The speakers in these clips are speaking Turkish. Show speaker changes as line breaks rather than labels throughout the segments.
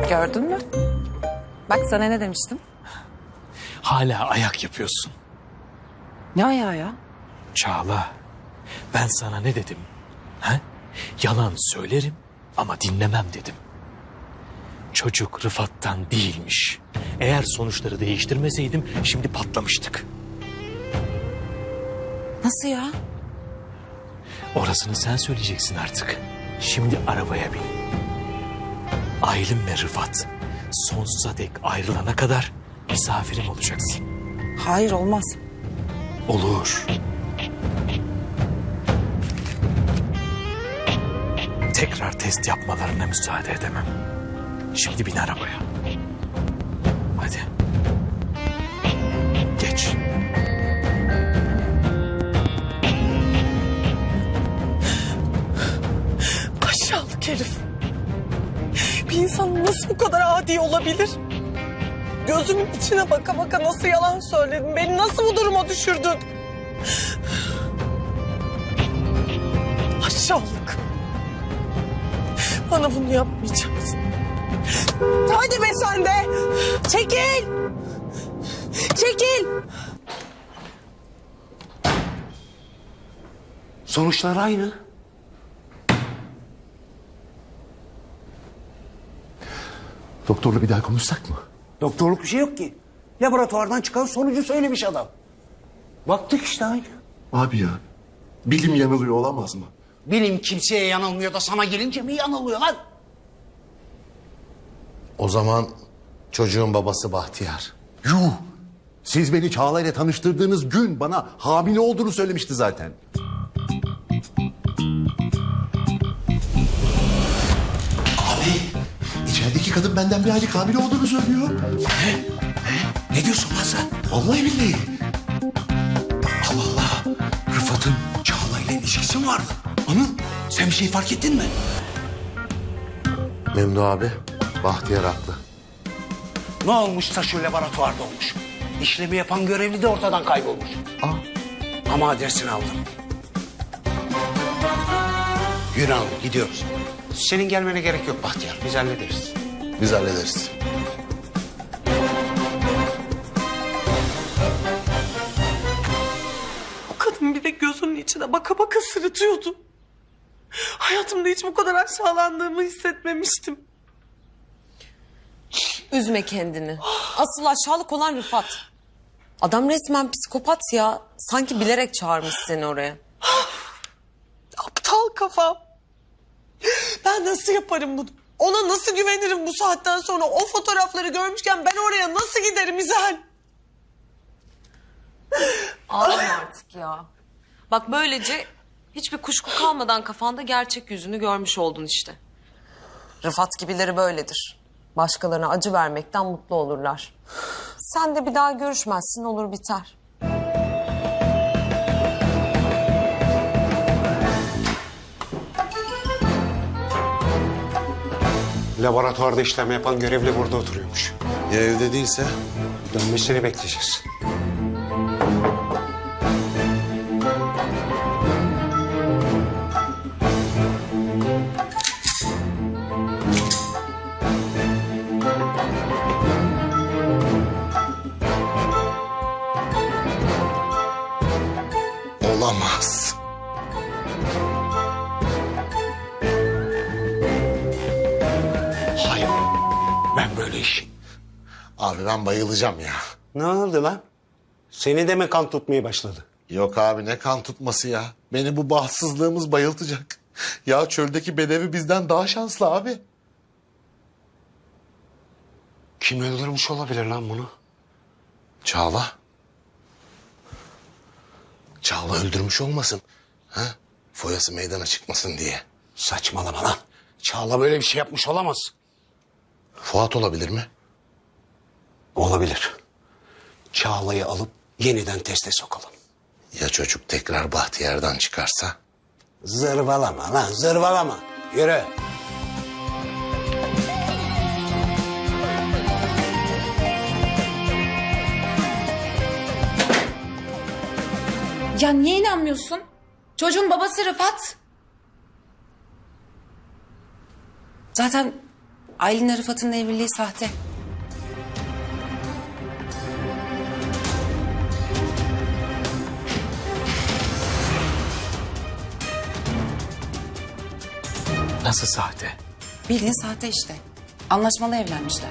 Gördün mü? Bak sana ne demiştim?
Hala ayak yapıyorsun.
Ne ayağı ya?
Çağla, ben sana ne dedim? Ha? Yalan söylerim ama dinlemem dedim. Çocuk Rıfat'tan değilmiş. Eğer sonuçları değiştirmeseydim şimdi patlamıştık.
Nasıl ya?
Orasını sen söyleyeceksin artık. Şimdi arabaya bin. Aylin ve Rıfat sonsuza dek ayrılana kadar misafirim olacaksın.
Hayır, olmaz.
Olur. Tekrar test yapmalarına müsaade edemem. Şimdi bin arabaya. Hadi. Geç.
Aşağılık herif. Bir insan nasıl bu kadar adi olabilir? Gözümün içine baka baka nasıl yalan söyledin? Beni nasıl bu duruma düşürdün? Aşağılık. Bana bunu yapmayacaksın. Hadi be sen de. Çekil. Çekil.
Sonuçlar aynı.
Doktorla bir daha konuşsak mı?
Doktorluk bir şey yok ki. Laboratuvardan çıkan sonucu söylemiş adam. Baktık işte aynı.
Abi ya, bilim yanılıyor olamaz mı?
Bilim kimseye yanılmıyor da sana gelince mi yanılıyor lan?
O zaman çocuğun babası Bahtiyar.
Yuh! Siz beni Çağla ile tanıştırdığınız gün bana hamile olduğunu söylemişti zaten. Abi, içerideki kadın benden bir aylık hamile olduğunu söylüyor.
Ne diyorsun lan sen?
Vallahi billahi.
Allah Allah. Rıfat'ın Çağla ile ilişkisi mi vardı? Anıl sen bir şey fark ettin mi?
Memdu abi, Bahtiyar haklı.
Ne olmuşsa şu laboratuvarda olmuş. İşlemi yapan görevli de ortadan kaybolmuş. Ama adresini aldım. Yürü Anıl gidiyoruz. Senin gelmene gerek yok Bahtiyar. Biz hallederiz.
Biz hallederiz.
O kadın bir de gözünün içine baka baka sırıtıyordu. Hayatımda hiç bu kadar aşağılandığımı hissetmemiştim.
Üzme kendini. Asıl aşağılık olan Rıfat. Adam resmen psikopat ya. Sanki bilerek çağırmış seni oraya.
Aptal kafam. Ben nasıl yaparım bunu? Ona nasıl güvenirim bu saatten sonra? O fotoğrafları görmüşken ben oraya nasıl giderim İzel?
Ağlama artık ya. Bak böylece hiçbir kuşku kalmadan kafanda gerçek yüzünü görmüş oldun işte. Rıfat gibileri böyledir. Başkalarına acı vermekten mutlu olurlar. Sen de bir daha görüşmezsin, olur biter.
Laboratuvarda işlem yapan görevli burada oturuyormuş.
Ya evde değilse?
Dönmesini bekleyeceğiz.
Olamaz.
Hayır. Ben böyle iş.
Abi ben bayılacağım ya.
Ne oldu lan? Seni de mi kan tutmaya başladı?
Yok abi ne kan tutması ya. Beni bu bahtsızlığımız bayıltacak. Ya çöldeki bedevi bizden daha şanslı abi.
Kim öldürmüş olabilir lan bunu?
Çağla. Çağla öldürmüş olmasın. Ha? Foyası meydana çıkmasın diye.
Saçmalama lan. Çağla böyle bir şey yapmış olamaz.
Fuat olabilir mi?
Olabilir. Çağla'yı alıp yeniden teste sokalım.
Ya çocuk tekrar Bahtiyar'dan çıkarsa?
Zırvalama lan zırvalama. Yürü.
Ya niye inanmıyorsun? Çocuğun babası Rıfat. Zaten
Aylin'le Rıfat'ın evliliği sahte.
Nasıl sahte?
Bildiğin sahte işte. Anlaşmalı evlenmişler.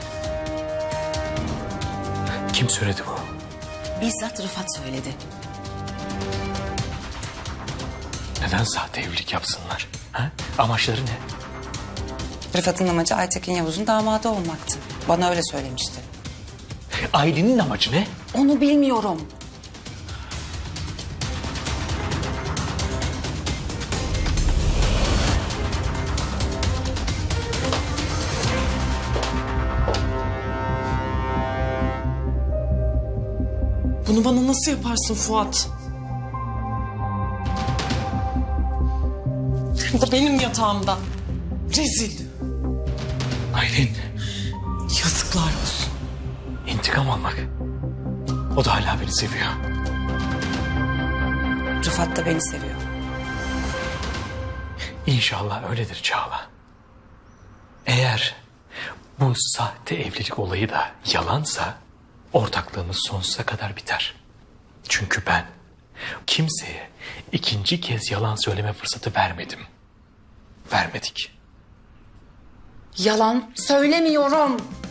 Kim söyledi bu?
Bizzat Rıfat söyledi.
Neden sahte evlilik yapsınlar? Ha? Amaçları ne?
Rıfat'ın amacı Aytekin Yavuz'un damadı olmaktı. Bana öyle söylemişti.
Aylin'in amacı ne?
Onu bilmiyorum.
Bunu bana nasıl yaparsın Fuat? Hem de benim yatağımda. Rezil.
Aylin,
Yazıklar olsun.
intikam almak. O da hala beni seviyor.
Rıfat da beni seviyor.
İnşallah öyledir Çağla. Eğer bu sahte evlilik olayı da yalansa ortaklığımız sonsuza kadar biter. Çünkü ben kimseye ikinci kez yalan söyleme fırsatı vermedim. Vermedik.
Yalan söylemiyorum.